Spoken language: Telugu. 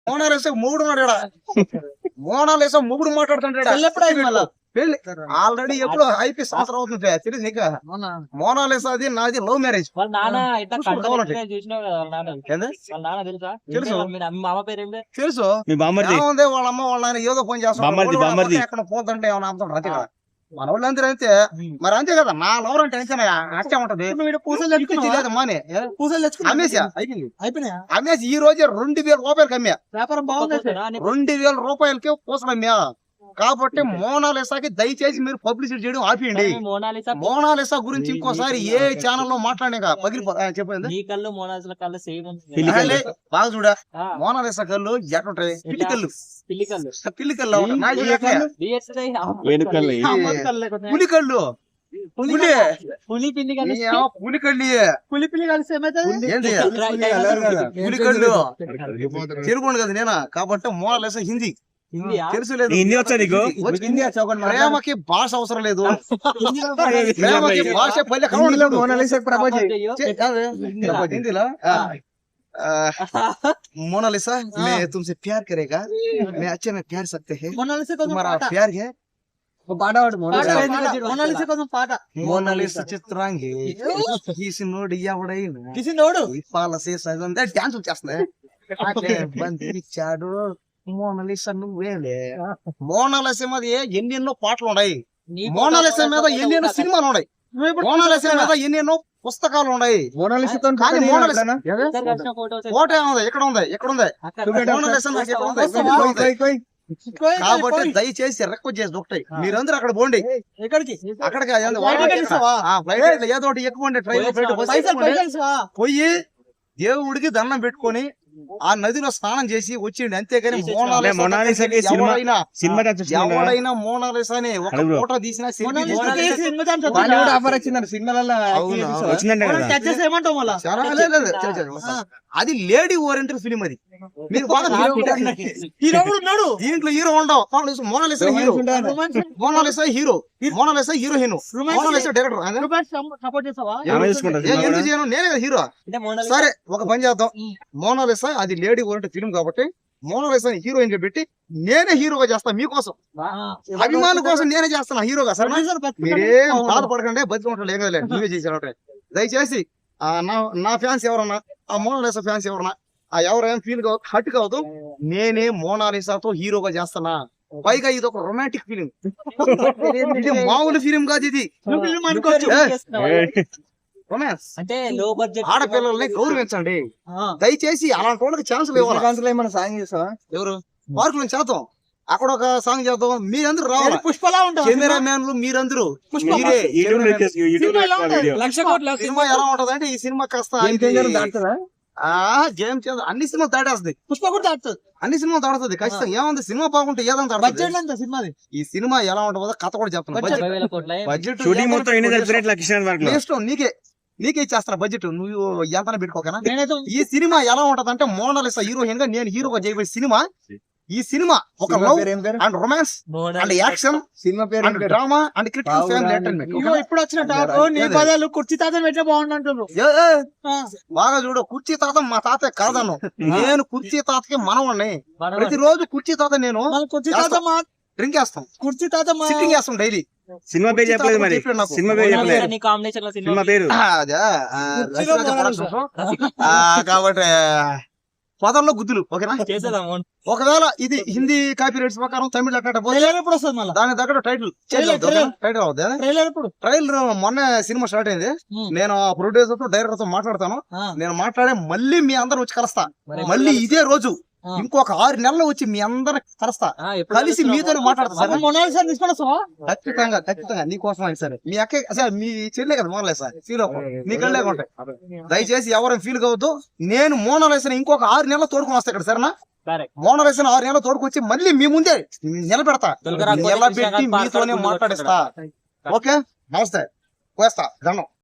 మోనాలిసా మూడు మోనాలిసా మూడు మాట్లాడుతుంటాడు పెళ్లి ఆల్రెడీ ఎప్పుడు అయిపోయి సంవత్సరం అవుతుంది తెలియదు నీకు మోనాలిసా అది నాది లవ్ మ్యారేజ్ తెలుసు ఏముంది వాళ్ళ అమ్మ వాళ్ళ ఆయన ఏదో పని చేస్తాడు ఎక్కడ పోతుంటే ఏమన్నా అమ్ముతాడు అంతే కదా మన వాళ్ళు అందరూ అంతే మరి అంతే కదా నా లవర్ అంటే అంతే అట్టే ఉంటది అమ్మేసి ఈ రోజే 2,000 రూపాయలకి అమ్మా వ్యాపారం బాగుంది 2,000 రూపాయలకి పూసలు అమ్మా కాబట్టి మోనాలిసాకి దయచేసి మీరు పబ్లిసిటీ చేయడం ఆపేయండి మోనాలిసా గురించి ఇంకోసారి ఏ ఛానల్ లో మాట్లాడినా పగిలిపో చెప్పండి బాగా చూడ మోనాలిసా కళ్ళు ఎట్లుంటాయి పిల్లికళ్ళు పులికళ్ళు పులికళ్ళు తెలుగు కదా నేనా కాబట్టి మోనాలిసా హిందీ తెలుసు లేదు ప్రేమకి భాష అవసరం లేదు ప్రేమకి భాష హిందీలో मोनालिसा मैं तुमसे प्यार करेगा मैं अच्छे में प्यार सकते हैं तुम्हारा प्यार है మోనాలిసా చిత్రాంగి కిసినోడు ఎవడైనా డాన్స్ వచ్చేస్తుంది బంధించాడు మోనాలిసా నువ్వేలే మోనాలిసా మీద ఎన్నెన్నో పాటలు ఉన్నాయి మోనాలిసా మీద ఎన్నెన్నో సినిమాలు ఉన్నాయి మోనాలిసా మీద ఎన్నెన్నో పుస్తకాలు ఉన్నాయి ఫోటో ఏముంది ఎక్కడ ఉంది కాబట్టి దయచేసి రిక్వెస్ట్ చేసి ఒకటి మీరందరూ అక్కడ పోండి అక్కడికి ఏదో ఒకటి ఎక్కువ పోయి దేవుడికి దండం పెట్టుకొని ఆ నదిలో స్నానం చేసి వచ్చిండి అంతేగాని ఎవడైనా మోనాలిసాని ఒక ఫోటో తీసినా అది లేడీ ఓరియంటెడ్ ఫిలిం అది మీరు దీంట్లో హీరో ఉండవు Monalisa hero Monalisa heroine Monalisa director ఎందుకు చేయను నేనే హీరో సరే ఒక పని చేద్దాం మోనాలిసా అది లేడీ ఓరియంటెడ్ ఫిలిం కాబట్టి మోనాలిసా హీరోయిన్ గా పెట్టి నేనే హీరోగా చేస్తా మీకోసం అభిమానుల కోసం నేనే చేస్తాను హీరోగా సరే మీరేం బాధపడకండి బతికుంటాడు ఏం కదలేదు నువ్వే చేశారు దయచేసి నా ఫ్యాన్స్ ఎవరన్నా ఆ మోనాలిసా ఫ్యాన్స్ ఎవరన్నా ఆ ఎవరైనా ఫీల్ హట్ కావద్దు నేనే మోనాలిసాతో హీరోగా చేస్తానా పైగా ఇది ఒక రొమాంటిక్ ఫిలిం ఇది మామూలు ఫిలిం కాదు ఇది రొమాన్స్ అంటే లో బడ్జెట్ ఆడపిల్లల్ని గౌరవించండి దయచేసి అలాంటి వాళ్ళకి ఛాన్స్ ఎవరు పార్క్ నుంచి చేద్దాం అక్కడ ఒక సాంగ్ చేద్దాం మీరందరూ రావాలి పుష్పలా ఉంటారు కెమెరా మ్యాన్లు మీరందరూ సినిమా ఎలా ఉంటది అంటే ఈ సినిమా కాస్త గేమ్ అన్ని సినిమాలు దాటేస్తుంది పుష్ప కూడా దాటుతుంది అన్ని సినిమాలు దాడుతుంది ఖచ్చితంగా ఏముంది సినిమా బాగుంటే ఏదంతా సినిమా ఈ సినిమా ఎలా ఉంటుందో కథ కూడా చెప్తాను బడ్జెట్ నీకే ఇచ్చేస్తాను బడ్జెట్ నువ్వు ఎంత పెట్టుకోకనా ఈ సినిమా ఎలా ఉంటది అంటే మోనాలిసా హీరోయిన్ గా నేను హీరోగా చేయబోయే సినిమా ఈ సినిమా ఒక love and romance and action cinema పేరు and drama and critical family entertainment ఇప్పుడు వచ్చిన పదాలు కుర్చీ తాత పెట్టే బాగుంటుండ్రు బాగా చూడు కుర్చీ తాత మా తాత కాదను నేను కుర్చీ తాతకి మనవాడిని ప్రతిరోజు కుర్చీ తాత నేను కుర్చీ తాత డ్రింక్ వేస్తాం కుర్చీ తాత సిట్టింగ్ వేస్తాం డైలీ సినిమా పేరు చెప్పలేదు మరి సినిమా పేరు సినిమా పేరు కాబట్టి పదంలో గుద్దులు ఓకేనా ఒకవేళ ఇది హిందీ కాపీ రైట్స్ ప్రకారం తమిళ దాని దగ్గర టైటిల్ ట్రైలర్ మొన్న సినిమా స్టార్ట్ అయింది నేను ప్రొడ్యూసర్ తో డైరెక్టర్ తో మాట్లాడతాను నేను మాట్లాడే మళ్ళీ మీ అందరు వచ్చి కలుస్తా మళ్ళీ ఇదే రోజు ఇంకొక 6 నెలలు వచ్చి మీ అందరు కలుస్తా కలిసి మీతో మాట్లాడతా ఖచ్చితంగా నీకోసం అని సరే మీ అక్క మీ చెల్లె కదా మోనాలిసా ఫీల్ అవ్వదు నీ కళ్ళే ఉంటాయి దయచేసి ఎవరైనా ఫీల్ కావద్దు నేను మోనాలిసా ఇంకొక 6 నెలలు తోడుకుని వస్తా ఇక్కడ సరేనా మోనాలిసా 6 నెలలు తోడుకొచ్చి మళ్ళీ మీ ముందే నిలబెడతా నిలబెట్టి మీతోనే మాట్లాడిస్తా ఓకే నమస్తే పోస్తా దండం